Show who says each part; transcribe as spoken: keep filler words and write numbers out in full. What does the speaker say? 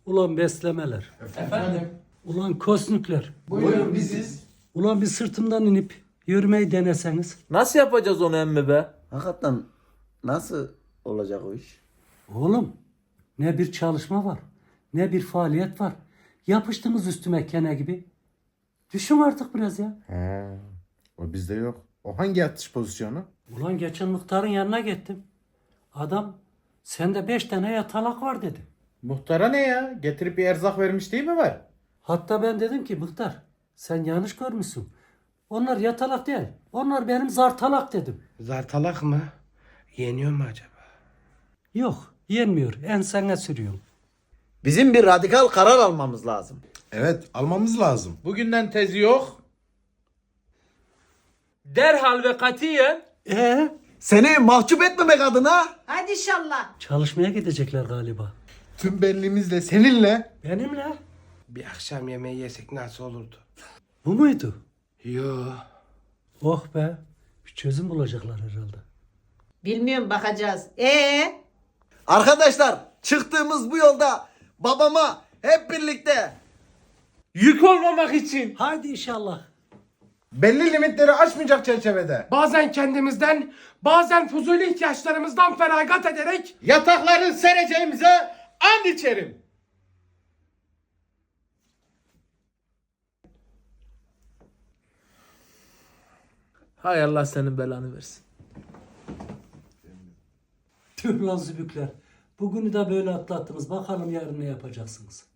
Speaker 1: Ulan beslemeler.
Speaker 2: Efendim?
Speaker 1: Ulan kosnükler.
Speaker 2: Buyurun biziz.
Speaker 1: Ulan bir sırtımdan inip yürümeyi deneseniz.
Speaker 3: Nasıl yapacağız onu emmi be?
Speaker 4: Hakikaten nasıl olacak o iş?
Speaker 1: Oğlum ne bir çalışma var ne bir faaliyet var. Yapıştınız üstüme kene gibi. Düşün artık biraz ya.
Speaker 5: He, o bizde yok. O hangi yatış pozisyonu?
Speaker 1: Ulan geçen muhtarın yanına gittim. Adam sende beş tane yatalak var dedi.
Speaker 2: Muhtara ne ya? Getirip bir erzak vermiş değil mi var?
Speaker 1: Hatta ben dedim ki muhtar sen yanlış görmüşsün. Onlar yatalak değil. Onlar benim zartalak dedim.
Speaker 6: Zartalak mı? Yeniyor mu acaba?
Speaker 1: Yok yenmiyor. Ensene sürüyorum.
Speaker 4: Bizim bir radikal karar almamız lazım.
Speaker 5: Evet, almamız lazım.
Speaker 2: Bugünden tezi yok.
Speaker 3: Derhal ve katiyen
Speaker 1: Ee,
Speaker 4: Seni mahcup etmemek adına
Speaker 7: Hadi inşallah.
Speaker 1: çalışmaya gidecekler galiba.
Speaker 5: Tüm benliğimizle, seninle.
Speaker 1: Benimle.
Speaker 6: Bir akşam yemeği yesek nasıl olurdu?
Speaker 1: Bu muydu?
Speaker 6: Yo.
Speaker 1: Oh be. Bir çözüm bulacaklar herhalde.
Speaker 7: Bilmiyorum bakacağız. Ee?
Speaker 4: arkadaşlar çıktığımız bu yolda babama hep birlikte
Speaker 3: yük olmamak için
Speaker 1: Haydi inşallah.
Speaker 5: Belli limitleri aşmayacak çerçevede.
Speaker 6: Bazen kendimizden, bazen fuzuli ihtiyaçlarımızdan feragat ederek
Speaker 2: Yatakları sereceğimize and içerim.
Speaker 3: hay Allah senin belanı versin.
Speaker 1: Tüh lan zübükler. Bugünü de böyle atlattınız. Bakalım yarın ne yapacaksınız.